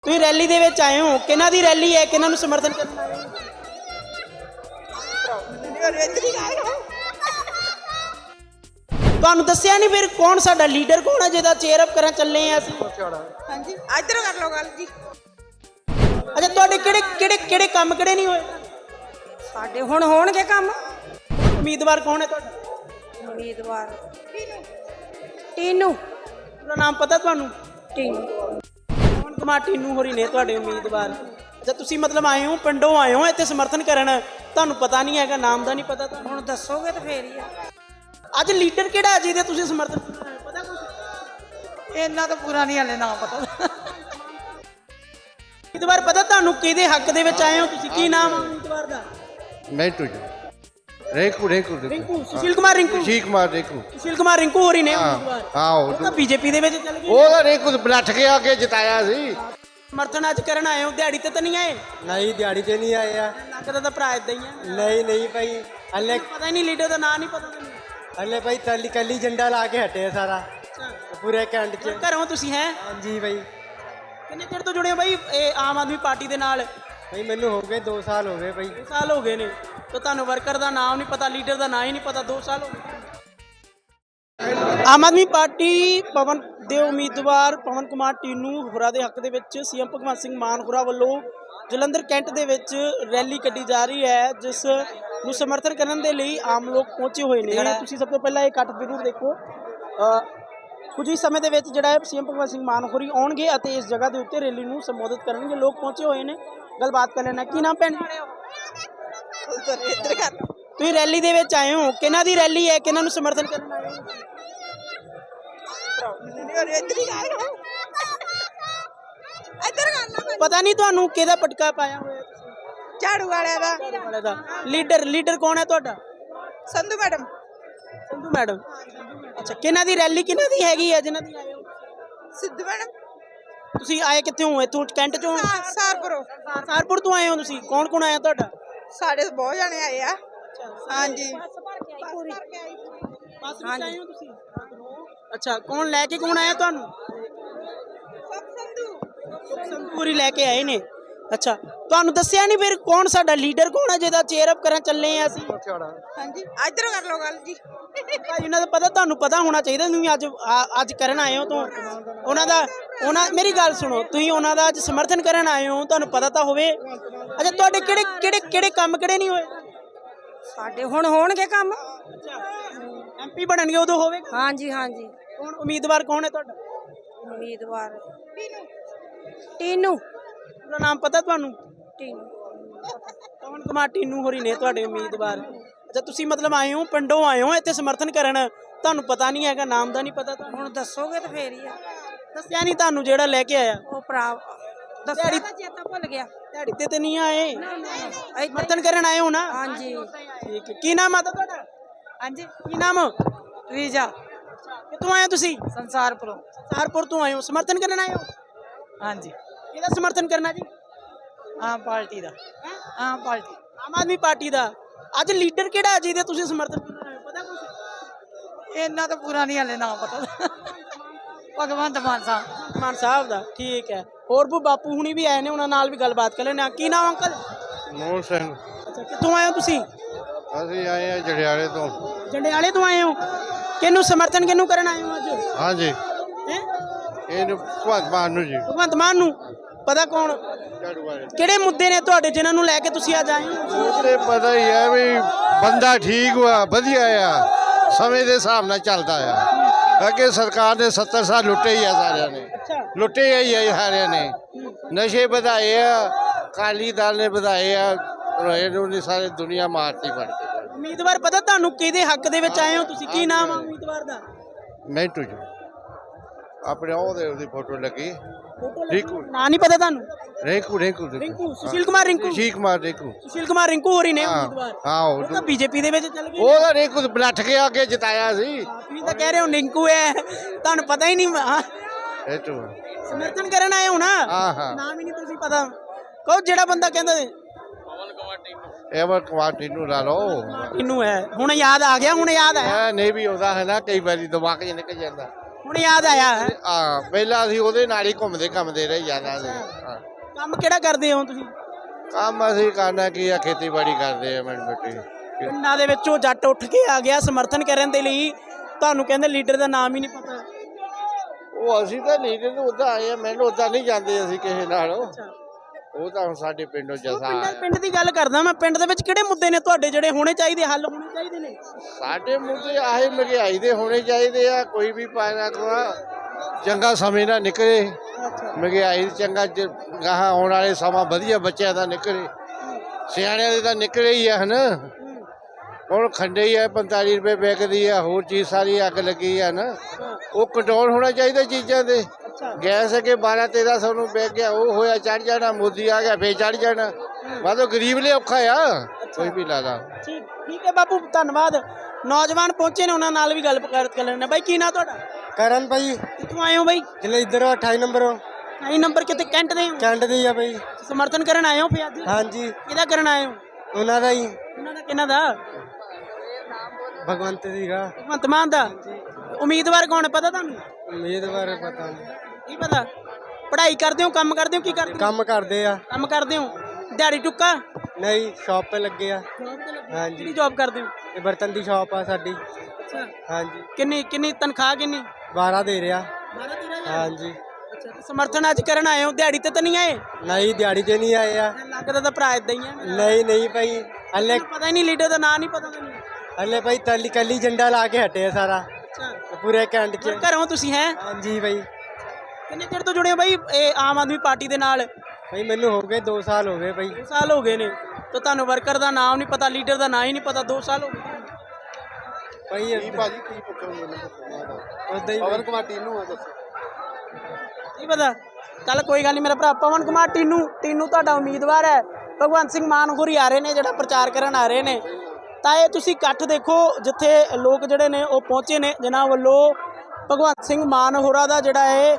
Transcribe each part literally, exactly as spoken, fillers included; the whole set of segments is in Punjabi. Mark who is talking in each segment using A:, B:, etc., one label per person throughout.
A: ਤੁਸੀਂ ਰੈਲੀ ਦੇ ਵਿੱਚ ਆਏ ਹੋ, ਕਿਹਨਾਂ ਦੀ ਰੈਲੀ ਹੈ, ਕਿਹਨਾਂ ਨੂੰ ਸਮਰਥਨ ਕਰਨ ਆਏ ਹੋ? ਤੁਹਾਨੂੰ ਦੱਸਿਆ ਨਹੀਂ ਫਿਰ ਕੌਣ ਸਾਡਾ ਲੀਡਰ ਕੌਣ ਹੈ ਜਿਹਦਾ ਚੇਅਰ ਅਪ ਕਰਨ ਚੱਲੇ ਆ ਅਸੀਂ?
B: ਹਾਂਜੀ ਇੱਧਰੋਂ ਕਰ ਲਓ ਗੱਲ ਜੀ।
A: ਅੱਛਾ, ਤੁਹਾਡੇ ਕਿਹੜੇ ਕਿਹੜੇ ਕਿਹੜੇ ਕੰਮ ਕਿਹੜੇ ਨਹੀਂ ਹੋਏ?
B: ਸਾਡੇ ਹੁਣ ਹੋਣਗੇ ਕੰਮ।
A: ਉਮੀਦਵਾਰ ਕੌਣ ਹੈ ਤੁਹਾਡਾ?
B: ਉਮੀਦਵਾਰ ਟੀਨੂ।
A: ਪੂਰਾ ਨਾਮ ਪਤਾ ਤੁਹਾਨੂੰ?
B: ਟੀਨੂ
A: ਪਵਨ ਕੁਮਾਰ ਟੀਨੂ ਹੋਰੀ ਨੇ ਤੁਹਾਡੇ ਉਮੀਦਵਾਰ। ਅੱਛਾ, ਤੁਸੀਂ ਮਤਲਬ ਆਏ ਹੋ, ਪਿੰਡੋਂ ਆਏ ਹੋ ਇੱਥੇ ਸਮਰਥਨ ਕਰਨ, ਤੁਹਾਨੂੰ ਪਤਾ ਨਹੀਂ ਹੈਗਾ, ਨਾਮ ਦਾ ਨਹੀਂ ਪਤਾ ਤੁਹਾਨੂੰ?
B: ਹੁਣ ਦੱਸੋਗੇ ਤਾਂ ਫੇਰ ਹੀ ਆ।
A: ਅੱਜ ਲੀਡਰ ਕਿਹੜਾ ਜਿਹਦੇ ਤੁਸੀਂ ਸਮਰਥਨ ਕਰ ਰਹੇ ਹੋ, ਪਤਾ ਕੁਝ?
B: ਇਹਨਾਂ ਤਾਂ ਪੂਰਾ ਨਹੀਂ ਹਲੇ ਨਾਮ ਪਤਾ।
A: ਉਮੀਦਵਾਰ ਪਤਾ ਤੁਹਾਨੂੰ ਕਿਹਦੇ ਹੱਕ ਦੇ ਵਿੱਚ ਆਏ ਹੋ ਤੁਸੀਂ? ਕੀ ਨਾਮ ਹੈ ਉਮੀਦਵਾਰ ਦਾ?
C: ਮੈਂਟੂ ਜੀ ਰੇਕੂ ਰੇਕੂ
A: ਰਿੰਕੂ, ਸੁਸ਼ੀਲ ਕੁਮਾਰ ਰਿੰਕੂ।
C: ਸੁਸ਼ੀਲ ਕੁਮਾਰ ਰੇਕੂ।
A: ਸੁਸ਼ੀਲ ਕੁਮਾਰ ਰਿੰਕੂ ਹੋਰੀ ਨੇ
C: ਹਾਂ
A: ਉਮੀਦਵਾਰ।
C: ਹਾਂ
A: ਉਹ
C: ਉਹ
A: ਤਾਂ ਬੀਜੇਪੀ ਦੇ ਵਿੱਚ ਚੱਲ ਗਏ।
C: ਉਹਦਾ ਰੇਕੂ ਬਲੱਠ ਕੇ ਆ ਕੇ ਜਿਤਾਇਆ ਸੀ।
A: ਸਮਰਥਨ ਅੱਜ ਕਰਨ ਆਏ ਹੋ, ਦਿਹਾੜੀ ਤੇ ਤਾਂ ਨਹੀਂ ਆਏ?
D: ਨਹੀਂ ਦਿਹਾੜੀ ਤੇ ਨਹੀਂ ਆਏ ਆ।
A: ਲੱਗਦਾ ਤਾਂ ਭਰਾ ਇਦਾਂ ਹੀ ਆ।
D: ਨਹੀਂ ਨਹੀਂ ਭਾਈ ਹਲੇ
A: ਪਤਾ ਹੀ ਨਹੀਂ, ਲੀਡਰ ਦਾ ਨਾਂ ਨਹੀਂ ਪਤਾ ਤੁਹਾਨੂੰ?
D: ਹਲੇ ਭਾਈ ਤਲੀ ਕੱਲੀ ਝੰਡਾ ਲਾ ਕੇ ਹਟੇ ਆ ਸਾਰਾ ਪੂਰੇ ਕੈਂਟ ਚ।
A: ਘਰੋਂ ਤੁਸੀਂ ਹੈ?
D: ਹਾਂਜੀ ਭਾਈ।
A: ਕਿੰਨੇ ਚਿਰ ਤੋਂ ਜੁੜੇ ਹੋ ਬਾਈ ਇਹ ਆਮ ਆਦਮੀ ਪਾਰਟੀ ਦੇ ਨਾਲ?
D: ਭਾਈ ਮੈਨੂੰ ਹੋ ਗਏ ਦੋ ਸਾਲ ਹੋ ਗਏ ਭਾਈ।
A: ਦੋ ਸਾਲ ਹੋ ਗਏ ਨੇ ਤਾਂ ਤੁਹਾਨੂੰ ਵਰਕਰ ਦਾ ਨਾਮ ਨਹੀਂ ਪਤਾ, ਲੀਡਰ ਦਾ ਨਾਂ ਹੀ ਨਹੀਂ ਪਤਾ, ਦੋ ਸਾਲ ਹੋ ਗਏ। ਆਮ ਆਦਮੀ ਪਾਰਟੀ ਪਵਨ ਦੇ ਉਮੀਦਵਾਰ ਪਵਨ ਕੁਮਾਰ ਟੀਨੂ ਹੋਰਾਂ ਦੇ ਹੱਕ ਦੇ ਵਿੱਚ ਸੀਐਮ ਭਗਵੰਤ ਸਿੰਘ ਮਾਨ ਹੋਰਾਂ ਵੱਲੋਂ ਜਲੰਧਰ ਕੈਂਟ ਦੇ ਵਿੱਚ ਰੈਲੀ ਕੱਢੀ ਜਾ ਰਹੀ ਹੈ, ਜਿਸ ਨੂੰ ਸਮਰਥਨ ਕਰਨ ਦੇ ਲਈ ਆਮ ਲੋਕ ਪਹੁੰਚੇ ਹੋਏ ਨੇ। ਤੁਸੀਂ ਸਭ ਤੋਂ ਪਹਿਲਾਂ ਇਹ ਇਕੱਠ ਜ਼ਰੂਰ ਦੇਖੋ। ਕੁਝ ਹੀ ਸਮੇਂ ਦੇ ਵਿੱਚ ਜਿਹੜਾ ਹੈ ਸੀਐਮ ਭਗਵੰਤ ਸਿੰਘ ਮਾਨ ਹੋਰੀ ਆਉਣਗੇ ਅਤੇ ਇਸ ਜਗ੍ਹਾ ਦੇ ਉੱਤੇ ਰੈਲੀ ਨੂੰ ਸੰਬੋਧਿਤ ਕਰਨਗੇ। ਲੋਕ ਪਹੁੰਚੇ ਹੋਏ ਨੇ, ਗੱਲਬਾਤ ਕਰ ਲੈਣਾ। ਕੀ ਨਾਮ ਭੈਣ? ਤੁਸੀਂ ਰੈਲੀ ਦੇ ਵਿੱਚ ਆਏ ਹੋ, ਕਿਹਨਾਂ ਦੀ ਰੈਲੀ ਹੈ, ਕਿਹਨਾਂ ਨੂੰ ਸਮਰਥਨ ਕਰਨ ਆਏ ਹੋ? ਪਤਾ ਨਹੀਂ ਤੁਹਾਨੂੰ ਕਿਹਦਾ ਪਟਕਾ ਪਾਇਆ ਹੋਇਆ ਤੁਸੀਂ?
B: ਝਾੜੂ ਵਾਲਿਆਂ ਦਾ।
A: ਵਾਲੇ ਦਾ ਲੀਡਰ ਲੀਡਰ ਕੌਣ ਹੈ ਤੁਹਾਡਾ?
B: ਸੰਧੂ ਮੈਡਮ।
A: ਸੰਧੂ ਮੈਡਮ। ਅੱਛਾ, ਕਿਹਨਾਂ ਦੀ ਰੈਲੀ ਕਿਹਨਾਂ ਦੀ ਹੈਗੀ ਹੈ ਜਿਨ੍ਹਾਂ ਦੀ ਆਏ ਹੋ?
B: ਸਿੱਧੂ ਮੈਡਮ।
A: ਤੁਸੀਂ ਆਏ ਕਿੱਥੋਂ ਹੋ? ਇੱਥੋਂ ਕੈਂਟ ਚੋਂ?
B: ਸਾਰਪੁਰੋਂ।
A: ਸਾਰਪੁਰ ਤੋਂ ਆਏ ਹੋ ਤੁਸੀਂ? ਕੌਣ ਕੌਣ ਆਇਆ ਤੁਹਾਡਾ?
B: ਸਾਡੇ ਤੋਂ ਬਹੁਤ ਜਾਣੇ ਆਏ ਆ। ਹਾਂਜੀ
A: ਬੱਸ ਵਿੱਚ ਆਏ ਹੋ ਤੁਸੀਂ? ਅੱਛਾ, ਕੌਣ ਲੈ ਕੇ ਕੌਣ ਆਇਆ ਤੁਹਾਨੂੰ? ਸੰਧੂਰੀ ਲੈ ਕੇ ਆਏ ਨੇ। ਅੱਛਾ, ਤੁਹਾਨੂੰ ਦੱਸਿਆ ਨਹੀਂ ਫਿਰ ਕੌਣ ਸਾਡਾ ਲੀਡਰ ਕੌਣ ਹੈ ਜਿਹਦਾ ਚੇਅਰ ਅਪ ਕਰਨ ਚੱਲੇ ਆ ਅਸੀਂ?
B: ਹਾਂਜੀ ਇੱਧਰੋਂ ਕਰ ਲਓ ਗੱਲ ਜੀ।
A: ਭਾਈ ਉਹਨਾਂ ਦਾ ਪਤਾ ਤੁਹਾਨੂੰ ਪਤਾ ਹੋਣਾ ਚਾਹੀਦਾ। ਤੁਸੀਂ ਅੱਜ ਆ- ਅੱਜ ਕਰਨ ਆਏ ਹੋ ਤਾਂ ਉਹਨਾਂ ਦਾ ਉਹਨਾਂ ਮੇਰੀ ਗੱਲ ਸੁਣੋ, ਤੁਸੀਂ ਉਹਨਾਂ ਦਾ ਅੱਜ ਸਮਰਥਨ ਕਰਨ ਆਏ ਹੋ, ਤੁਹਾਨੂੰ ਪਤਾ ਤਾਂ ਹੋਵੇ। ਅੱਛਾ, ਤੁਹਾਡੇ ਕਿਹੜੇ ਕਿਹੜੇ ਕਿਹੜੇ ਕੰਮ ਕਿਹੜੇ ਨਹੀਂ ਹੋਏ?
B: ਸਾਡੇ ਹੁਣ ਹੋਣਗੇ ਕੰਮ।
A: ਐਮਪੀ ਬਣਨਗੇ ਉਦੋਂ ਹੋਵੇਗਾ।
B: ਹਾਂਜੀ ਹਾਂਜੀ।
A: ਕੌਣ ਉਮੀਦਵਾਰ ਕੌਣ ਹੈ ਤੁਹਾਡਾ?
B: ਉਮੀਦਵਾਰ ਟੀਨੂ।
A: ਪੂਰਾ ਨਾਮ ਪਤਾ ਤੁਹਾਨੂੰ?
B: ਟੀਨੂ
A: ਪਵਨ ਕੁਮਾਰ ਟੀਨੂ ਹੋਰੀ ਨੇ ਤੁਹਾਡੇ ਉਮੀਦਵਾਰ। ਅੱਛਾ, ਤੁਸੀਂ ਮਤਲਬ ਆਏ ਹੋ, ਪਿੰਡੋਂ ਆਏ ਹੋ ਇੱਥੇ ਸਮਰਥਨ ਕਰਨ, ਤੁਹਾਨੂੰ ਪਤਾ ਨਹੀਂ ਹੈਗਾ, ਨਾਮ ਦਾ ਨਹੀਂ ਪਤਾ ਤੁਹਾਨੂੰ?
B: ਹੁਣ ਦੱਸੋਗੇ ਤਾਂ ਫੇਰ ਹੀ ਆ।
A: ਦੱਸਿਆ ਨਹੀਂ ਤੁਹਾਨੂੰ ਜਿਹੜਾ ਲੈ ਕੇ ਆਇਆ?
B: ਉਹ ਭਰਾ ਦੱਸਿਆ ਤਾਂ ਚੇਤਾ ਭੁੱਲ ਗਿਆ।
A: ਦਿਹਾੜੀ ਤੇ ਤੇ ਨਹੀਂ ਆਏ, ਸਮਰਥਨ ਕਰਨ ਆਏ ਹੋ ਨਾ?
B: ਹਾਂਜੀ
A: ਠੀਕ ਹੈ। ਕੀ ਨਾਮ ਆ ਤੁਹਾਡਾ?
B: ਹਾਂਜੀ।
A: ਕੀ ਨਾਮ?
B: ਰੀਜਾ।
A: ਕਿੱਥੋਂ ਆਏ ਹੋ ਤੁਸੀਂ?
B: ਸੰਸਾਰਪੁਰੋਂ।
A: ਸਾਰਪੁਰ ਤੋਂ ਆਏ ਹੋ, ਸਮਰਥਨ ਕਰਨ ਆਏ ਹੋ?
B: ਹਾਂਜੀ।
A: ਕਿਹਦਾ ਸਮਰਥਨ ਕਰਨਾ ਜੀ?
B: ਆਮ ਪਾਰਟੀ ਦਾ। ਆਮ ਪਾਰਟੀ।
A: ਆਮ ਆਦਮੀ ਪਾਰਟੀ ਦਾ। ਅੱਜ ਲੀਡਰ ਕਿਹੜਾ ਜਿਹਦੇ ਤੁਸੀਂ ਸਮਰਥਨ ਕਰਨ ਆਏ ਹੋ, ਪਤਾ ਕੁਝ?
B: ਇਹਨਾਂ ਤਾਂ ਪੂਰਾ ਨਹੀਂ ਹਲੇ ਨਾਮ ਪਤਾ। ਭਗਵੰਤ ਮਾਨ ਸਾਹਿਬ।
A: ਮਾਨ ਸਾਹਿਬ ਦਾ। ਠੀਕ ਹੈ। ਹੋਰ ਵੀ ਬਾਪੂ ਹੁਣੀ ਵੀ ਆਏ ਨੇ, ਉਹਨਾਂ ਨਾਲ ਵੀ ਗੱਲਬਾਤ ਕਰ ਲੈਣਾ। ਕੀ ਨਾਮ ਅੰਕਲ?
C: ਮੋਹਨ ਸਿੰਘ।
A: ਅੱਛਾ, ਕਿੱਥੋਂ ਆਏ ਹੋ ਤੁਸੀਂ?
C: ਅਸੀਂ ਆਏ ਆ ਜੜਿਆਲੇ ਤੋਂ।
A: ਜੰਡਿਆਲੇ ਤੋਂ ਆਏ ਹੋ। ਕਿਹਨੂੰ ਸਮਰਥਨ ਕਿਹਨੂੰ ਕਰਨ ਆਏ ਹੋ ਅੱਜ?
C: ਹਾਂਜੀ
A: ਹੈ
C: ਇਹਨੂੰ ਭਗਵੰਤ ਮਾਨ ਨੂੰ ਜੀ।
A: ਭਗਵੰਤ ਮਾਨ ਨੂੰ। ਪਤਾ ਕੌਣ
C: ਝਾੜੂ ਵਾਲੇ
A: ਕਿਹੜੇ ਮੁੱਦੇ ਨੇ ਤੁਹਾਡੇ ਜਿਨ੍ਹਾਂ ਨੂੰ ਲੈ ਕੇ ਤੁਸੀਂ ਅੱਜ ਆਏ ਹੋ?
C: ਉਹ ਤੇ ਪਤਾ ਹੀ ਹੈ ਵੀ ਬੰਦਾ ਠੀਕ ਵਾ, ਵਧੀਆ ਆ, ਸਮੇਂ ਦੇ ਹਿਸਾਬ ਨਾਲ ਚੱਲਦਾ ਆ। ਅੱਗੇ ਸਰਕਾਰ ਨੇ ਸੱਤਰ ਸਾਲ ਲੁੱਟੇ ਹੀ ਆ ਸਾਰਿਆਂ ਨੇ,
A: ਅੱਛਾ।
C: ਲੁੱਟੇ ਹੀ ਆ ਸਾਰਿਆਂ ਨੇ। ਨਸ਼ੇ ਵਧਾਏ ਆ, ਅਕਾਲੀ ਦਲ ਨੇ ਵਧਾਏ ਆ, ਇਹਨੂੰ ਨਹੀਂ ਸਾਰੇ ਦੁਨੀਆ ਮਾਰਤੀ ਫੜ ਕੇ।
A: ਉਮੀਦਵਾਰ ਪਤਾ ਤੁਹਾਨੂੰ ਕਿਹਦੇ ਹੱਕ ਦੇ ਵਿੱਚ ਆਏ ਹੋ ਤੁਸੀਂ? ਕੀ ਨਾਮ ਆ ਉਮੀਦਵਾਰ ਦਾ?
C: ਮੈਂਟੂ ਜੀ ਆਪਣੇ ਉਹਦੇ ਉਹਦੀ ਫੋਟੋ ਲੱਗੀ। ਰਿੰਕੂ।
A: ਨਾਂ ਨਹੀਂ ਪਤਾ ਤੁਹਾਨੂੰ?
C: ਰੇਕੂ ਰੇਕੂ
A: ਰਿੰਕੂ, ਸੁਸ਼ੀਲ ਕੁਮਾਰ ਰਿੰਕੂ।
C: ਸੁਸ਼ੀਲ ਕੁਮਾਰ ਰੇਕੂ।
A: ਸੁਸ਼ੀਲ ਕੁਮਾਰ ਰਿੰਕੂ ਹੋਰੀ ਨੇ
C: ਹਾਂ
A: ਉਮੀਦਵਾਰ।
C: ਹਾਂ
A: ਉਹ ਤਾਂ
C: ਉਹ
A: ਬੀਜੇਪੀ ਦੇ ਵਿੱਚ ਚੱਲ ਗਏ।
C: ਉਹਦਾ ਰੇਕੂ ਬਲੱਠ ਕੇ ਆ ਕੇ ਜਿਤਾਇਆ ਸੀ।
A: ਤੁਸੀਂ ਤਾਂ ਕਹਿ ਰਹੇ ਹੋ ਰਿੰਕੂ ਹੈ, ਤੁਹਾਨੂੰ ਪਤਾ ਹੀ ਨਹੀਂ। ਹਾਂ,
C: ਇਹ ਤੋਂ
A: ਸਮਰਥਨ ਕਰਨ ਆਏ ਹੋ ਨਾ?
C: ਹਾਂ ਹਾਂ
A: ਨਾਮ ਹੀ ਨਹੀਂ ਤੁਸੀਂ ਪਤਾ। ਕਹੋ ਜਿਹੜਾ ਬੰਦਾ ਕਹਿੰਦਾ
C: ਇਹ ਵਾ ਕੁਮਾਰ ਨੂੰ ਲਾ ਲਓ।
A: ਇਹਨੂੰ ਹੈ ਹੁਣ ਯਾਦ ਆ ਗਿਆ, ਹੁਣ ਯਾਦ ਆਇਆ।
C: ਇਹ ਨਹੀਂ ਵੀ ਉਹਦਾ ਹੈ ਨਾ, ਕਈ ਵਾਰੀ ਦਿਮਾਗ 'ਚ ਨਿਕਲ ਜਾਂਦਾ।
A: ਹੁਣ ਯਾਦ ਆਇਆ ਹੈ।
C: ਆ ਪਹਿਲਾਂ ਅਸੀਂ ਉਹਦੇ ਨਾਲ ਹੀ ਘੁੰਮਦੇ ਘੁੰਮਦੇ ਰਹੇ ਜਾਂਦਾ ਸੀ ਹਾਂ।
A: ਕੰਮ ਕਿਹੜਾ ਕਰਦੇ ਹੋ ਤੁਸੀਂ?
C: ਕੰਮ ਅਸੀਂ ਕਰਨਾ ਕੀ ਆ, ਖੇਤੀਬਾੜੀ ਕਰਦੇ ਆ ਮਿੰਟ ਮਿੱਟੀ।
A: ਪਿੰਡਾਂ ਦੇ ਵਿੱਚੋਂ ਜੱਟ ਉੱਠ ਕੇ ਆ ਗਿਆ ਸਮਰਥਨ ਕਰਨ ਦੇ ਲਈ, ਤੁਹਾਨੂੰ ਕਹਿੰਦੇ ਲੀਡਰ ਦਾ ਨਾਮ ਹੀ ਨਹੀਂ ਪਤਾ।
C: ਉਹ ਅਸੀਂ ਤਾਂ ਲੀਡਰ ਨੂੰ ਉੱਦਾਂ ਆਏ ਆ, ਮੈਨੂੰ ਉੱਦਾਂ ਨਹੀਂ ਜਾਂਦੇ ਅਸੀਂ ਕਿਸੇ ਨਾਲ। ਉਹ ਤਾਂ ਹੁਣ ਸਾਡੇ ਪਿੰਡੋਂ ਜਸਾ
A: ਪਿੰਡ ਪਿੰਡ ਦੀ ਗੱਲ ਕਰਦਾ ਮੈਂ, ਪਿੰਡ ਦੇ ਵਿੱਚ ਕਿਹੜੇ ਮੁੱਦੇ ਨੇ ਤੁਹਾਡੇ ਜਿਹੜੇ ਹੋਣੇ ਚਾਹੀਦੇ, ਹੱਲ ਹੋਣੇ ਚਾਹੀਦੇ ਨੇ?
C: ਸਾਡੇ ਮੁੱਦੇ ਆਹੀ ਮਹਿੰਗਾਈ ਦੇ ਹੋਣੇ ਚਾਹੀਦੇ ਆ। ਕੋਈ ਵੀ ਪਾਇਨਾ ਕੋਆ ਚੰਗਾ ਸਮੇਂ ਨਾ ਨਿਕਲੇ, ਮਹਿੰਗਾਈ ਚੰਗਾ ਜ- ਗਾਹਾਂ ਆਉਣ ਵਾਲੇ ਸਮਾਂ ਵਧੀਆ ਬੱਚਿਆਂ ਦਾ ਨਿਕਲੇ, ਸਿਆਣਿਆਂ ਦੇ ਤਾਂ ਨਿਕਲੇ ਹੀ ਆ ਹਨ। ਹੁਣ ਖੰਡੇ ਹੀ ਆ ਪੰਤਾਲੀ ਰੁਪਏ ਵਿਕਦੀ ਆ, ਹੋਰ ਚੀਜ਼ ਸਾਰੀ ਅੱਗ ਲੱਗੀ ਆ ਨਾ। ਉਹ ਕੰਟਰੋਲ ਹੋਣਾ ਚਾਹੀਦਾ ਚੀਜ਼ਾਂ ਦੇ। ਗੈਸ ਅੱਗੇ ਬਾਰਾਂ ਤੇਰਾਂ ਸੌ ਨੂੰ ਵਿਕ ਗਿਆ, ਉਹ ਹੋਇਆ ਚੜ ਜਾਣਾ, ਮੋਦੀ ਆ ਗਿਆ ਫੇਰ ਚੜ ਜਾਣਾ। ਵਾਦੋ ਗਰੀਬ ਲਈ ਔਖਾ ਆ, ਕੋਈ ਵੀ ਲਾਦਾ।
A: ਠੀਕ ਠੀਕ ਹੈ ਬਾਪੂ, ਧੰਨਵਾਦ। ਨੌਜਵਾਨ ਪਹੁੰਚੇ ਨੇ, ਉਹਨਾਂ ਨਾਲ ਵੀ ਗੱਲ ਕਰ ਕਰ ਲੈਣੇ। ਬਾਈ ਕੀ ਨਾਂ ਤੁਹਾਡਾ?
D: ਕਰਨ ਭਾਈ
A: ਕਿੱਥੋਂ ਆਏ ਹੋ ਬਾਈ?
D: ਜਿਲੇ ਇੱਧਰ ਅਠਾਈ ਨੰਬਰ
A: ਆਈ ਨੰਬਰ ਕਿਤੇ ਕੈਂਟ ਦੇ ਹੋ?
D: ਕੈਂਟ ਦੀ ਆ ਭਾਈ।
A: ਸਮਰਥਨ ਕਰਨ ਆਏ ਹੋ ਫਿਰ ਅੱਜ?
D: ਹਾਂਜੀ
A: ਕਿਹਦਾ ਕਰਨ ਆਏ ਹੋ?
D: ਉਹਨਾਂ ਦਾ ਹੀ,
A: ਉਹਨਾਂ ਦਾ ਕਿਹਨਾਂ ਦਾ?
D: ਭਗਵੰਤ ਸੀਗਾ।
A: ਭਗਵੰਤ ਮਾਨ ਦਾ। ਉਮੀਦਵਾਰ ਕੌਣ ਹੈ ਪਤਾ ਤੁਹਾਨੂੰ?
D: ਉਮੀਦਵਾਰ ਪਤਾ ਨਹੀਂ,
A: ਕੀ ਪਤਾ? ਪੜ੍ਹਾਈ ਕਰਦੇ ਹੋ, ਕੰਮ ਕਰਦੇ ਹੋ, ਕੀ ਕਰਦੇ ਹੋ?
D: ਕੰਮ ਕਰਦੇ ਆ।
A: ਕੰਮ ਕਰਦੇ ਹੋ, ਦਿਹਾੜੀ ਟੁੱਕਾ?
D: ਨਹੀਂ ਸ਼ਾਪ 'ਤੇ ਲੱਗੇ ਆ।
A: ਜੌਬ ਤੇ ਲੱਗੇ?
D: ਹਾਂਜੀ।
A: ਕਿਹੜੀ ਜੌਬ ਕਰਦੇ ਹੋ?
D: ਇਹ ਬਰਤਨ ਦੀ ਸ਼ਾਪ ਆ ਸਾਡੀ।
A: ਅੱਛਾ,
D: ਹਾਂਜੀ
A: ਕਿੰਨੀ ਕਿੰਨੀ ਤਨਖਾਹ ਕਿੰਨੀ?
D: ਬਾਰਾਂ ਦੇ ਰਿਹਾ।
A: ਬਾਰਾਂ ਤੇਰਾਂ ਹਜ਼ਾਰ?
D: ਹਾਂਜੀ
A: ਅੱਛਾ, ਤੇ ਸਮਰਥਨ ਅੱਜ ਕਰਨ ਆਏ ਹੋ, ਦਿਹਾੜੀ ਤੇ ਤਾਂ ਨਹੀਂ ਆਏ?
D: ਨਹੀਂ ਦਿਹਾੜੀ ਤੇ ਨਹੀਂ ਆਏ ਆ।
A: ਲੱਗਦਾ ਤਾਂ ਭਰਾ ਇਦਾਂ ਹੀ ਆ।
D: ਨਹੀਂ ਨਹੀਂ ਭਾਈ ਹਲੇ
A: ਮੈਨੂੰ ਪਤਾ ਹੀ ਨਹੀਂ, ਲੀਡਰ ਦਾ ਨਾਂ ਨਹੀਂ ਪਤਾ ਮੈਨੂੰ।
D: ਹਲੇ ਭਾਈ ਤਲੀ ਕੱਲੀ ਝੰਡਾ ਲਾ ਕੇ ਹਟੇ ਆ ਸਾਰਾ
A: ਅੱਛਾ,
D: ਪੂਰੇ ਕੈਂਟ 'ਚ।
A: ਘਰੋਂ ਤੁਸੀਂ ਹੈ?
D: ਹਾਂਜੀ ਭਾਈ।
A: ਕਿੰਨੇ ਚਿਰ ਤੋਂ ਜੁੜੇ ਹੋ ਬਾਈ ਇਹ ਆਮ ਆਦਮੀ ਪਾਰਟੀ ਦੇ ਨਾਲ?
D: ਭਾਈ ਮੈਨੂੰ ਹੋ ਗਏ ਦੋ ਸਾਲ ਹੋ ਗਏ ਭਾਈ।
A: ਦੋ ਸਾਲ ਹੋ ਗਏ ਨੇ, ਤਾਂ ਤੁਹਾਨੂੰ ਵਰਕਰ ਦਾ ਨਾਮ ਨਹੀਂ ਪਤਾ, ਲੀਡਰ ਦਾ ਨਾਂ ਹੀ ਨਹੀਂ ਪਤਾ। ਦੋ ਸਾਲ ਹੋ ਗਏ
D: ਭਾਈ
C: ਭਾਜੀ ਕੀ ਪੁੱਛੋਗੇ
D: ਉਦਾਂ ਹੀ
C: ਪਵਨ ਕੁਮਾਰ ਟੀਨੂ ਆ ਦੱਸੋ।
A: ਨਹੀਂ ਪਤਾ? ਚੱਲ ਕੋਈ ਗੱਲ ਨਹੀਂ ਮੇਰਾ ਭਰਾ। ਪਵਨ ਕੁਮਾਰ ਟੀਨੂ, ਟੀਨੂ ਤੁਹਾਡਾ ਉਮੀਦਵਾਰ ਹੈ। ਭਗਵੰਤ ਸਿੰਘ ਮਾਨ ਹੋਰੀ ਆ ਰਹੇ ਨੇ, ਜਿਹੜਾ ਪ੍ਰਚਾਰ ਕਰਨ ਆ ਰਹੇ ਨੇ। ਤਾਂ ਇਹ ਤੁਸੀਂ ਇਕੱਠ ਦੇਖੋ, ਜਿੱਥੇ ਲੋਕ ਜਿਹੜੇ ਨੇ ਉਹ ਪਹੁੰਚੇ ਨੇ, ਜਿਨ੍ਹਾਂ ਵੱਲੋਂ ਭਗਵੰਤ ਸਿੰਘ ਮਾਨ ਹੋਰਾਂ ਦਾ ਜਿਹੜਾ ਹੈ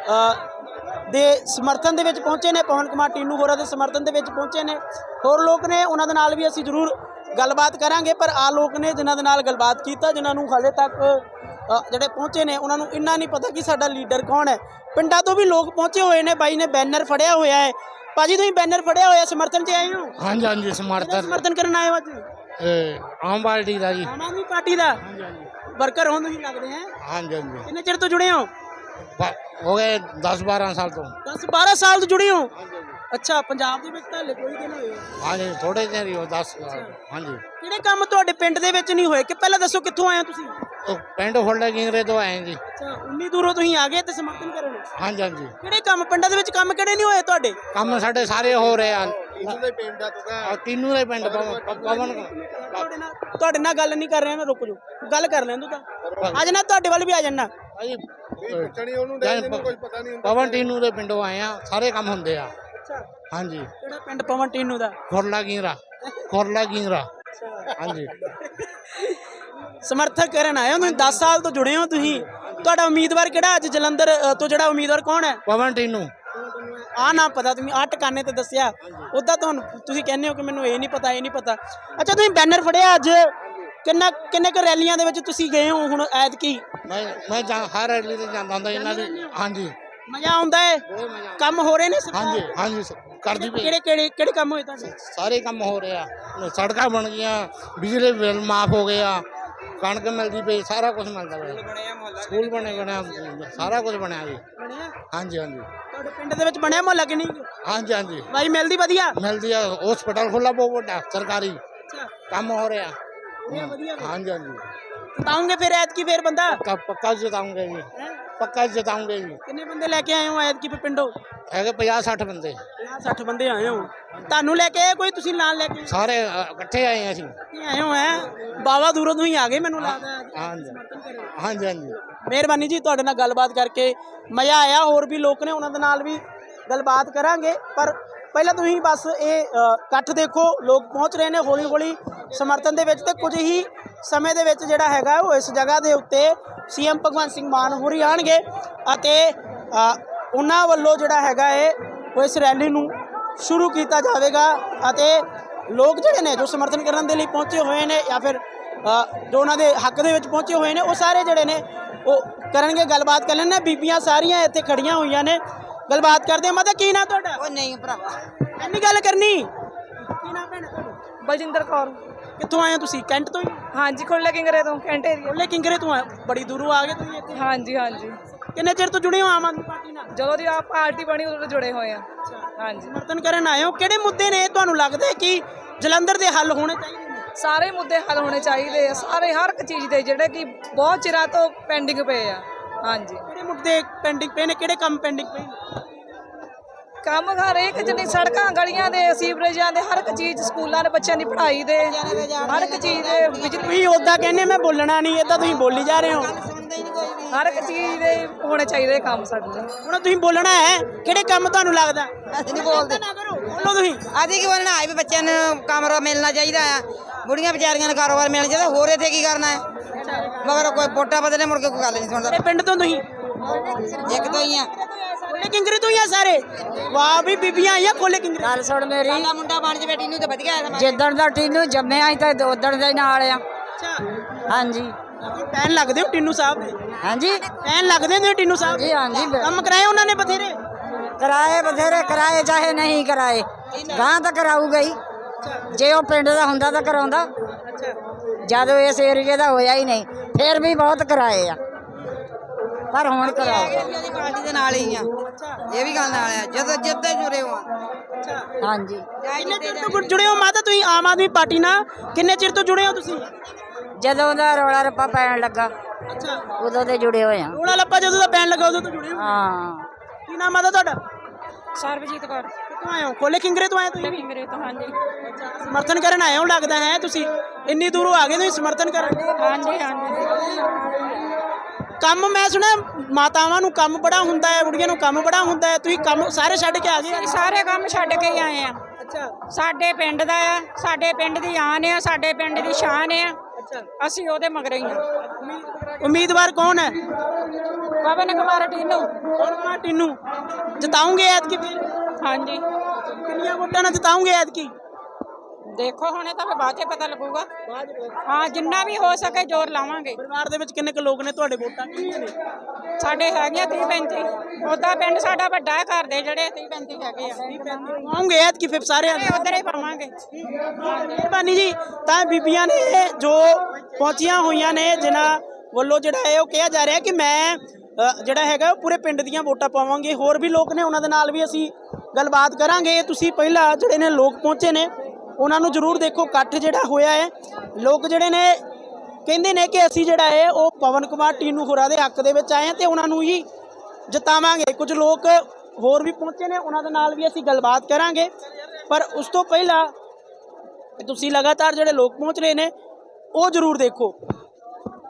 A: ਦੇ ਸਮਰਥਨ ਦੇ ਵਿੱਚ ਪਹੁੰਚੇ ਨੇ, ਪਵਨ ਕੁਮਾਰ ਟੀਨੂ ਹੋਰਾਂ ਦੇ ਸਮਰਥਨ ਦੇ ਵਿੱਚ ਪਹੁੰਚੇ ਨੇ। ਹੋਰ ਲੋਕ ਨੇ, ਉਹਨਾਂ ਦੇ ਨਾਲ ਵੀ ਅਸੀਂ ਜ਼ਰੂਰ ਗੱਲਬਾਤ ਕਰਾਂਗੇ। ਪਰ ਆ ਲੋਕ ਨੇ ਜਿਨ੍ਹਾਂ ਦੇ ਨਾਲ ਗੱਲਬਾਤ ਕੀਤਾ, ਜਿਨ੍ਹਾਂ ਨੂੰ ਹਾਲੇ ਤੱਕ ਅ, ਜਿਹੜੇ ਪਹੁੰਚੇ ਨੇ ਉਹਨਾਂ ਨੂੰ ਇੰਨਾ ਨਹੀਂ ਪਤਾ ਕਿ ਸਾਡਾ ਲੀਡਰ ਕੌਣ ਹੈ। ਪਿੰਡਾਂ ਤੋਂ ਵੀ ਲੋਕ ਪਹੁੰਚੇ ਹੋਏ ਨੇ। ਬਾਈ ਨੇ ਬੈਨਰ ਫੜਿਆ ਹੋਇਆ ਹੈ। ਭਾਜੀ ਤੁਸੀਂ ਬੈਨਰ ਫੜਿਆ ਹੋਇਆ, ਸਮਰਥਨ 'ਚ ਆਏ ਹੋ?
E: ਹਾਂਜੀ ਹਾਂਜੀ
A: ਕਿਹਦਾ
E: ਸਮਰਥਨ
A: ਸਮਰਥਨ ਕਰਨ ਆਏ ਹੋ ਅੱਜ?
E: ਇਹ ਆਮ ਪਾਰਟੀ ਦਾ ਜੀ।
A: ਆਮ ਆਦਮੀ ਪਾਰਟੀ ਦਾ ਵਰਕਰ ਹੋ ਤੁਸੀਂ ਲੱਗਦੇ ਹੈ।
E: ਹਾਂਜੀ ਹਾਂਜੀ
A: ਕਿੰਨੇ ਚਿਰ ਤੋਂ ਜੁੜੇ ਹੋ?
E: ਬ- ਹੋ ਗਏ ਦਸ ਬਾਰਾਂ ਸਾਲ ਤੋਂ।
A: ਦਸ ਬਾਰਾਂ ਸਾਲ ਤੋਂ ਜੁੜੇ ਹੋ? ਅੱਛਾ, ਪੰਜਾਬ ਦੇ ਵਿੱਚ ਤਾਂ ਹਲੇ ਕੋਈ ਦਿਨ ਹੋਏ ਹੋ?
E: ਹਾਂਜੀ ਥੋੜੇ ਦਿਨ ਹੀ ਹੋ ਦਸ ਹਾਂਜੀ।
A: ਕਿਹੜੇ ਕੰਮ ਤੁਹਾਡੇ ਪਿੰਡ ਦੇ ਵਿੱਚ ਨਹੀਂ ਹੋਏ? ਕਿ ਪਹਿਲਾਂ ਦੱਸੋ ਕਿੱਥੋਂ ਆਏ ਹੋ ਤੁਸੀਂ?
E: ਉਹ ਪਿੰਡ ਫੁੱਲੇ ਗਿੰਗਰੇ ਤੋਂ ਆਏ ਜੀ।
A: ਅੱਛਾ, ਉਨੀ ਦੂਰੋਂ ਤੁਸੀਂ ਆ ਗਏ ਤੇ ਸਮਰਥਨ ਕਰਨ।
E: ਹਾਂਜੀ ਹਾਂਜੀ
A: ਕਿਹੜੇ ਕੰਮ ਪਿੰਡਾਂ ਦੇ ਵਿੱਚ ਕੰਮ ਕਿਹੜੇ ਨਹੀਂ ਹੋਏ ਤੁਹਾਡੇ?
E: ਕੰਮ ਸਾਡੇ ਸਾਰੇ ਹੋ ਰਹੇ ਆ।
C: ਟੀਨੂ ਦੇ ਪਿੰਡ ਦਾ ਤੂੰ
E: ਆਹ ਤੀਨੂ ਦੇ ਪਿੰਡ ਪਵਨ ਪਵਨ
A: ਤੁਹਾਡੇ ਨਾਲ ਤੁਹਾਡੇ ਨਾਲ ਗੱਲ ਨਹੀਂ ਕਰ ਰਿਹਾ ਨਾ, ਰੁਕ ਜਾਓ, ਗੱਲ ਕਰ ਲੈਣ ਦੋ ਤਾਂ। ਅੱਜ ਨਾ ਤੁਹਾਡੇ ਵੱਲ ਵੀ ਆ ਜਾਣਾ।
E: ਭਾਜੀ
C: ਪੁੱਛਣੀ ਉਹਨੂੰ ਦੇ ਇਹਨੂੰ ਕੁਝ ਪਤਾ ਨਹੀਂ ਹੁੰਦਾ।
E: ਪਵਨ ਟੀਨੂ ਦੇ ਪਿੰਡੋਂ ਆਏ ਆ, ਸਾਰੇ ਕੰਮ ਹੁੰਦੇ ਆ।
A: ਅੱਛਾ,
E: ਹਾਂਜੀ
A: ਕਿਹੜਾ ਪਿੰਡ ਪਵਨ ਟੀਨੂ ਦਾ?
E: ਖੁਰਲਾ ਗਿੰਗਰਾ ਖੁਰਲਾ ਗਿੰਗਰਾ ਹਾਂਜੀ।
A: ਸਮਰਥਨ ਕਰਨ ਆਏ ਹੋ ਤੁਸੀਂ, ਦਸ ਸਾਲ ਤੋਂ ਜੁੜੇ ਹੋ ਤੁਸੀਂ। ਤੁਹਾਡਾ ਉਮੀਦਵਾਰ ਕਿਹੜਾ ਅੱਜ ਜਲੰਧਰ ਅ, ਤੋਂ ਜਿਹੜਾ ਉਮੀਦਵਾਰ ਕੌਣ ਹੈ?
E: ਪਵਨ ਟੀਨੂ।
A: ਆ ਨਾ ਪਤਾ, ਤੁਸੀਂ ਆਹ ਟਿਕਾਣੇ ਤੇ ਦੱਸਿਆ। ਉੱਦਾਂ ਤੁਹਾਨੂੰ ਤੁਸੀਂ ਕਹਿੰਦੇ ਹੋ ਕਿ ਮੈਨੂੰ ਇਹ ਨਹੀਂ ਪਤਾ, ਇਹ ਨਹੀਂ ਪਤਾ। ਅੱਛਾ, ਤੁਸੀਂ ਬੈਨਰ ਫੜਿਆ ਅੱਜ, ਕਿੰਨਾ ਕਿੰਨੇ ਕੁ ਰੈਲੀਆਂ ਦੇ ਵਿੱਚ ਤੁਸੀਂ ਗਏ ਹੋ ਹੁਣ ਐਤਕੀ?
E: ਮੈਂ ਮੈਂ ਜਾਂ- ਹਰ ਰੈਲੀ ਤੇ ਜਾਂਦਾ ਹੁੰਦਾ ਇਹਨਾਂ ਦੀ। ਹਾਂਜੀ
A: ਮਜ਼ਾ ਆਉਂਦਾ ਹੈ?
E: ਬਹੁਤ ਮਜ਼ਾ।
A: ਕੰਮ ਹੋ ਰਹੇ ਨੇ ਸਰਕਾਰ?
E: ਹਾਂਜੀ ਹਾਂਜੀ ਕਰਦੀ ਪਈ।
A: ਕਿਹੜੇ ਕਿਹੜੇ ਕਿਹੜੇ ਕੰਮ ਹੋਏ ਤੁਹਾਡੇ?
E: ਸਾਰੇ ਕੰਮ ਹੋ ਰਹੇ ਆ, ਸੜਕਾਂ ਬਣ ਗਈਆਂ, ਬਿਜਲੀ ਬਿੱਲ ਮਾਫ ਹੋ ਗਿਆ, ਕਣਕ ਮਿਲਦੀ ਪਈ, ਸਾਰਾ ਕੁਝ ਮਿਲਦਾ ਪਿਆ। ਸਕੂਲ ਬਣੇ ਬਣਿਆ, ਸਾਰਾ ਕੁਝ ਬਣਿਆ ਜੀ।
A: ਬਣਿਆ?
E: ਹਾਂਜੀ ਹਾਂਜੀ
A: ਤੁਹਾਡੇ ਪਿੰਡ ਦੇ ਵਿੱਚ ਬਣਿਆ ਮੁਹੱਲਾ ਕਿ ਨਹੀਂ?
E: ਹਾਂਜੀ ਹਾਂਜੀ
A: ਬਾਈ ਮਿਲਦੀ ਵਧੀਆ?
E: ਮਿਲਦੀ ਆ। ਹਸਪਤਾਲ ਖੁੱਲਾ ਬਹੁਤ ਵੱਡਾ ਸਰਕਾਰੀ,
A: ਅੱਛਾ,
E: ਕੰਮ ਹੋ ਰਿਹਾ।
A: ਵਧੀਆ ਵਧੀਆ।
E: ਹਾਂਜੀ ਹਾਂਜੀ
A: ਜਿਤਾਉਂਗੇ ਫਿਰ ਐਤਕੀ ਫਿਰ ਬੰਦਾ?
E: ਪੱਕਾ ਪੱਕਾ ਜਿਤਾਉਂਗੇ ਜੀ,
A: ਹੈਂ?
E: ਪੱਕਾ ਜਿਤਾਉਂਗੇ ਜੀ।
A: ਕਿੰਨੇ ਬੰਦੇ ਲੈ ਕੇ ਆਏ ਹੋ ਐਤਕੀ ਫਿਰ ਪਿੰਡੋਂ?
E: ਹੈਗੇ ਪੰਜਾਹ ਸੱਠ ਬੰਦੇ,
A: ਪੰਜਾਹ ਸੱਠ ਬੰਦੇ ਆਏ ਹੋ। ਤੁਹਾਨੂੰ ਲੈ ਕੇ ਆਏ ਕੋਈ, ਤੁਸੀਂ ਨਾਲ ਲੈ ਕੇ ਆਏ?
E: ਸਾਰੇ ਅ, ਇਕੱਠੇ ਆਏ ਅਸੀਂ।
A: ਤੁਸੀਂ ਆਏ ਹੋ ਹੈ ਬਾਵਾ ਦੂਰੋਂ ਤੁਸੀਂ ਆ ਗਏ ਮੈਨੂੰ ਲੱਗਦਾ ਹੈ।
E: ਹਾਂਜੀ
A: ਸਮਰਥਨ ਕਰਿਓ।
E: ਹਾਂਜੀ ਹਾਂਜੀ
A: ਮਿਹਰਬਾਨੀ ਜੀ, ਤੁਹਾਡੇ ਨਾਲ ਗੱਲਬਾਤ ਕਰਕੇ ਮਜ਼ਾ ਆਇਆ। ਹੋਰ ਵੀ ਲੋਕ ਨੇ, ਉਹਨਾਂ ਦੇ ਨਾਲ ਵੀ ਗੱਲਬਾਤ ਕਰਾਂਗੇ। ਪਰ ਪਹਿਲਾਂ ਤੁਸੀਂ ਬਸ ਇਹ ਅ, ਇਕੱਠ ਦੇਖੋ, ਲੋਕ ਪਹੁੰਚ ਰਹੇ ਨੇ ਹੌਲੀ ਹੌਲੀ ਸਮਰਥਨ ਦੇ ਵਿੱਚ। ਤੇ ਕੁਝ ਹੀ ਸਮੇਂ ਦੇ ਵਿੱਚ ਜਿਹੜਾ ਹੈਗਾ ਉਹ ਇਸ ਜਗ੍ਹਾ ਦੇ ਉੱਤੇ ਸੀਐਮ ਭਗਵੰਤ ਸਿੰਘ ਮਾਨ ਹੋਰੀ ਆਉਣਗੇ ਅਤੇ ਅ, ਉਹਨਾਂ ਵੱਲੋਂ ਜਿਹੜਾ ਹੈਗਾ ਹੈ ਉਹ ਇਸ ਰੈਲੀ ਨੂੰ ਸ਼ੁਰੂ ਕੀਤਾ ਜਾਵੇਗਾ। ਅਤੇ ਲੋਕ ਜਿਹੜੇ ਨੇ ਜੋ ਸਮਰਥਨ ਕਰਨ ਦੇ ਲਈ ਪਹੁੰਚੇ ਹੋਏ ਨੇ ਜਾਂ ਫਿਰ ਅ, ਜੋ ਉਹਨਾਂ ਦੇ ਹੱਕ ਦੇ ਵਿੱਚ ਪਹੁੰਚੇ ਹੋਏ ਨੇ, ਉਹ ਸਾਰੇ ਜਿਹੜੇ ਨੇ ਉਹ ਕਰਨਗੇ। ਗੱਲਬਾਤ ਕਰ ਲੈਣੇ ਬੀਬੀਆਂ ਸਾਰੀਆਂ ਇੱਥੇ ਖੜੀਆਂ ਹੋਈਆਂ ਨੇ, ਗੱਲਬਾਤ ਕਰਦੇ ਆ। ਮਾਤਾ ਕੀ ਨਾਂ ਤੁਹਾਡਾ?
B: ਉਹ ਨਹੀਂ ਭਰਾਵਾ,
A: ਇੰਨੀ ਗੱਲ ਕਰਨੀ। ਕੀ ਨਾਂ ਭੈਣ ਤੁਹਾਡਾ?
B: ਬਲਜਿੰਦਰ ਕੌਰ।
A: ਕਿੱਥੋਂ ਆਏ ਹੋ ਤੁਸੀਂ? ਕੈਂਟ ਤੋਂ ਹੀ?
B: ਹਾਂਜੀ, ਖੁੱਲੇ ਕਿੰਗਰੇ ਤੋਂ, ਕੈਂਟ ਏਰੀਆ।
A: ਖੁੱਲੇ ਕਿੰਗਰੇ ਤੋਂ ਆਏ? ਬੜੀ ਦੂਰੋਂ ਆ ਗਏ ਤੁਸੀਂ ਇੱਥੇ।
B: ਹਾਂਜੀ ਹਾਂਜੀ,
A: ਕਿੰਨੇ ਚਿਰ ਤੋਂ ਜੁੜੇ ਹੋ ਆਮ ਆਦਮੀ ਪਾਰਟੀ ਨਾਲ?
B: ਜਦੋਂ ਦੀ ਆ ਪਾਰਟੀ ਬਣੀ ਉਦੋਂ ਤੋਂ ਜੁੜੇ ਹੋਏ ਆ। ਹਾਂਜੀ,
A: ਸਮਰਥਨ ਕਰਨ ਆਏ ਹੋ। ਕਿਹੜੇ ਮੁੱਦੇ ਨੇ ਤੁਹਾਨੂੰ ਲੱਗਦਾ ਹੈ ਕਿ ਜਲੰਧਰ ਦੇ ਹੱਲ ਹੋਣੇ ਚਾਹੀਦੇ ਨੇ?
B: ਸਾਰੇ ਮੁੱਦੇ ਹੱਲ ਹੋਣੇ ਚਾਹੀਦੇ ਆ, ਸਾਰੇ ਹਰ ਇੱਕ ਚੀਜ਼ ਦੇ ਜਿਹੜੇ ਕਿ ਬਹੁਤ ਚਿਰਾਂ ਤੋਂ ਪੈਂਡਿੰਗ ਪਏ ਆ। ਹਾਂਜੀ,
A: ਕਿਹੜੇ ਮੁੱਦੇ ਪੈਂਡਿੰਗ ਪਏ ਨੇ? ਕਿਹੜੇ ਕੰਮ ਪੈਂਡਿੰਗ ਪਏ ਨੇ?
B: ਕੰਮ ਹਰ ਇੱਕ ਜਿੰਨੀ ਸੜਕਾਂ ਗਲੀਆਂ ਦੇ ਸੀਵਰੇਜਾਂ ਦੇ ਹਰ ਇੱਕ ਚੀਜ਼, ਸਕੂਲਾਂ ਦੇ ਬੱਚਿਆਂ ਦੀ ਪੜ੍ਹਾਈ ਦੇ ਹਰ ਇੱਕ ਚੀਜ਼ ਦੇ, ਬਿਜਲੀ
A: ਤੁਸੀਂ ਉੱਦਾਂ ਕਹਿੰਦੇ ਮੈਂ ਬੋਲਣਾ ਨਹੀਂ, ਏਦਾਂ ਤੁਸੀਂ ਬੋਲੀ ਜਾ ਰਹੇ ਹੋ।
B: ਹਰ ਇੱਕ ਚੀਜ਼ ਦੇ ਹੋਣੇ ਚਾਹੀਦੇ ਕੰਮ ਸਾਡੇ ਲਈ।
A: ਹੁਣ ਤੁਸੀਂ ਬੋਲਣਾ ਹੈ, ਕਿਹੜੇ ਕੰਮ ਤੁਹਾਨੂੰ ਲੱਗਦਾ?
F: ਅਸੀਂ ਨਹੀਂ ਬੋਲਦੇ।
A: ਨਾ ਕਰੋ, ਬੋਲੋ ਤੁਸੀਂ।
F: ਅਸੀਂ ਕੀ ਬੋਲਣਾ ਹੈ ਵੀ ਬੱਚਿਆਂ ਨੂੰ ਕਮਰਾ ਮਿਲਣਾ ਚਾਹੀਦਾ ਆ, ਬੁੜੀਆਂ ਵਿਚਾਰੀਆਂ ਨੂੰ ਕਾਰੋਬਾਰ ਮਿਲਣਾ ਚਾਹੀਦਾ, ਹੋਰ ਇੱਥੇ ਕੀ ਕਰਨਾ ਹੈ? ਮਗਰ ਕੋਈ ਵੋਟਾਂ ਬਦਲੇ ਮੁੜ ਕੇ ਕੋਈ ਗੱਲ ਨਹੀਂ ਸੁਣਦਾ।
A: ਕਿਹੜੇ ਪਿੰਡ ਤੋਂ ਤੁਸੀਂ?
F: ਇੱਕ ਤੋਂ ਹੀ ਆ।
A: ਖੋਲੇ ਕਿੰਗਰੇ ਤੋਂ ਹੀ ਆ ਸਾਰੇ? ਵਾਹ ਵੀ ਬੀਬੀਆਂ ਆਈਆਂ ਖੋਲੇ ਕਿੰਗਰੇ।
G: ਗੱਲ ਸੁਣ ਮੇਰੀ,
F: ਸਾਡਾ ਮੁੰਡਾ ਬਣ ਜਵੇ ਟੀਨੂ ਤੇ ਵਧੀਆ ਹੈ।
G: ਜਿੱਦਣ ਦਾ ਟੀਨੂ ਜੰਮਿਆ ਸੀ ਤਾਂ ਉਦਣ ਦੇ ਨਾਲ ਆ।
A: ਅੱਛਾ,
G: ਹਾਂਜੀ
A: ਫੈਨ ਲੱਗਦੇ ਹੋ ਟਿੰਨੂ ਸਾਹਿਬ ਦੇ?
G: ਹਾਂਜੀ
A: ਫੈਨ ਲੱਗਦੇ ਨੇ ਟਿੰਨੂ ਸਾਹਿਬ
G: ਜੀ, ਹਾਂਜੀ
A: ਕੰਮ ਕਰਾਏ ਉਹਨਾਂ ਨੇ ਬਥੇਰੇ?
G: ਕਰਾਏ ਬਥੇਰੇ ਕਰਾਏ, ਚਾਹੇ ਨਹੀਂ ਕਰਾਏ, ਗਾਂ ਤਾਂ ਕਰਾਊਗਾ ਹੀ। ਜੇ ਉਹ ਪਿੰਡ ਦਾ ਹੁੰਦਾ ਤਾਂ ਕਰਾਉਂਦਾ, ਜਦੋਂ ਇਸ ਏਰੀਏ ਦਾ ਹੋਇਆ ਹੀ ਨਹੀਂ। ਫਿਰ ਵੀ ਬਹੁਤ ਕਰਾਏ ਆ, ਪਰ ਹੁਣ ਕਰਾਓ।
F: ਉਹਦੀ ਪਾਰਟੀ ਦੇ ਨਾਲ ਹੀ ਆ, ਇਹ ਵੀ ਗੱਲ ਨਾਲ ਆ, ਜਦੋਂ ਜਿੱਦਾਂ ਜੁੜੇ ਹੋ।
G: ਹਾਂਜੀ
A: ਕਿੰਨੇ ਚਿਰ ਤੋਂ ਜੁੜੇ ਹੋ ਮਾਤਾ ਤੁਸੀਂ ਆਮ ਆਦਮੀ ਪਾਰਟੀ ਨਾਲ? ਕਿੰਨੇ ਚਿਰ ਤੋਂ ਜੁੜੇ ਹੋ ਤੁਸੀਂ?
G: ਜਦੋਂ ਦਾ ਰੌਲਾ ਰੱਪਾ ਪੈਣ ਲੱਗਾ
A: ਅੱਛਾ,
G: ਉਦੋਂ ਦੇ ਜੁੜੇ ਹੋਏ ਆ।
A: ਰੋਲਾ ਲੱਪਾ ਜਦੋਂ ਦਾ ਪੈਣ ਲੱਗਾ ਉਦੋਂ ਤੋਂ ਜੁੜੇ ਹੋ?
G: ਹਾਂ,
A: ਕੀ ਨਾਮ ਆਦਾ ਤੁਹਾਡਾ?
B: ਸਰਬਜੀਤ ਕੌਰ।
A: ਕਿੱਥੋਂ ਆਏ ਹੋ? ਖੋਲੇ ਕਿੰਗਰੇ ਤੋਂ ਆਏ ਤੁਸੀਂ?
B: ਕਿੰਗਰੇ ਤੋਂ। ਹਾਂਜੀ
A: ਸਮਰਥਨ ਕਰਨ ਆਏ ਹੋ ਲੱਗਦਾ ਹੈ ਤੁਸੀਂ। ਇੰਨੀ ਦੂਰੋਂ ਆ ਗਏ ਤੁਸੀਂ ਸਮਰਥਨ ਕਰਨ।
B: ਹਾਂਜੀ ਹਾਂਜੀ,
A: ਕੰਮ ਮੈਂ ਸੁਣਿਆ ਮਾਤਾਵਾਂ ਨੂੰ ਕੰਮ ਬੜਾ ਹੁੰਦਾ ਹੈ, ਬੁੜੀਆਂ ਨੂੰ ਕੰਮ ਬੜਾ ਹੁੰਦਾ ਹੈ, ਤੁਸੀਂ ਕੰਮ ਸਾਰੇ ਛੱਡ ਕੇ ਆ ਗਏ?
H: ਸਾਰੇ ਕੰਮ ਛੱਡ ਕੇ ਹੀ ਆਏ ਆ।
A: ਅੱਛਾ
H: ਸਾਡੇ ਪਿੰਡ ਦਾ ਆ, ਸਾਡੇ ਪਿੰਡ ਦੀ ਆਨ ਆ, ਸਾਡੇ ਪਿੰਡ ਦੀ ਸ਼ਾਨ ਆ।
A: ਅੱਛਾ,
H: ਅਸੀਂ ਉਹਦੇ ਮਗਰ ਹੀ ਆ।
A: ਉਮੀਦਵਾਰ ਕੌਣ ਹੈ?
H: ਪਵਨ ਕੁਮਾਰ ਟੀਨੂ।
A: ਕੌਣ? ਟਿੰਨੂ ਜਿਤਾਉਂਗੇ ਐਤਕੀ ਫਿਰ?
H: ਹਾਂਜੀ,
A: ਕਿੰਨੀਆਂ ਵੋਟਾਂ ਨਾਲ ਜਿਤਾਉਂਗੇ ਐਤਕੀ?
H: ਦੇਖੋ ਹੁਣੇ ਤਾਂ ਫਿਰ ਬਾਅਦ 'ਚ ਪਤਾ ਲੱਗੂਗਾ। ਹਾਂ, ਜਿੰਨਾ ਵੀ ਹੋ ਸਕੇ ਜ਼ੋਰ ਲਾਵਾਂਗੇ।
A: ਪਰਿਵਾਰ ਦੇ ਵਿੱਚ ਕਿੰਨੇ ਕੁ ਲੋਕ ਨੇ ਤੁਹਾਡੇ? ਵੋਟਾਂ ਕਿੰਨੀਆਂ ਨੇ?
H: ਸਾਡੇ ਹੈਗੀਆਂ ਤੀਹ ਪੈਂਤੀ। ਉੱਦਾਂ ਪਿੰਡ ਸਾਡਾ ਵੱਡਾ ਹੈ, ਘਰ ਦੇ ਜਿਹੜੇ ਤੀਹ ਪੈਂਤੀ ਹੈਗੇ ਆ।
A: ਆਉਂਗੇ ਐਤਕੀ ਫਿਰ ਸਾਰਿਆਂ ਦੇ?
H: ਉੱਧਰ ਹੀ ਪਾਵਾਂਗੇ।
A: ਮਿਹਰਬਾਨੀ ਜੀ। ਤਾਂ ਬੀਬੀਆਂ ਨੇ ਜੋ ਪਹੁੰਚੀਆਂ ਹੋਈਆਂ ਨੇ, ਜਿਨ੍ਹਾਂ ਵੱਲੋਂ ਜਿਹੜਾ ਹੈ ਉਹ ਕਿਹਾ ਜਾ ਰਿਹਾ ਕਿ ਮੈਂ ਅ, ਜਿਹੜਾ ਹੈਗਾ ਉਹ ਪੂਰੇ ਪਿੰਡ ਦੀਆਂ ਵੋਟਾਂ ਪਾਵਾਂਗੇ। ਹੋਰ ਵੀ ਲੋਕ ਨੇ, ਉਹਨਾਂ ਦੇ ਨਾਲ ਵੀ ਅਸੀਂ ਗੱਲਬਾਤ ਕਰਾਂਗੇ। ਤੁਸੀਂ ਪਹਿਲਾਂ ਜਿਹੜੇ ਨੇ ਲੋਕ ਪਹੁੰਚੇ ਨੇ ਉਹਨਾਂ ਨੂੰ ਜ਼ਰੂਰ ਦੇਖੋ। ਇਕੱਠ ਜਿਹੜਾ ਹੋਇਆ ਹੈ, ਲੋਕ ਜਿਹੜੇ ਨੇ ਕਹਿੰਦੇ ਨੇ ਕਿ ਅਸੀਂ ਜਿਹੜਾ ਹੈ ਉਹ ਪਵਨ ਕੁਮਾਰ ਟੀਨੂ ਹੋਰਾਂ ਦੇ ਹੱਕ ਦੇ ਵਿੱਚ ਆਏ ਹਾਂ ਤੇ ਉਹਨਾਂ ਨੂੰ ਹੀ ਜਿਤਾਵਾਂਗੇ। ਕੁਝ ਲੋਕ ਹੋਰ ਵੀ ਪਹੁੰਚੇ ਨੇ, ਉਹਨਾਂ ਦੇ ਨਾਲ ਵੀ ਅਸੀਂ ਗੱਲਬਾਤ ਕਰਾਂਗੇ। ਪਰ ਉਸ ਤੋਂ ਪਹਿਲਾਂ ਤੁਸੀਂ ਲਗਾਤਾਰ ਜਿਹੜੇ ਲੋਕ ਪਹੁੰਚ ਰਹੇ ਨੇ ਉਹ ਜ਼ਰੂਰ ਦੇਖੋ।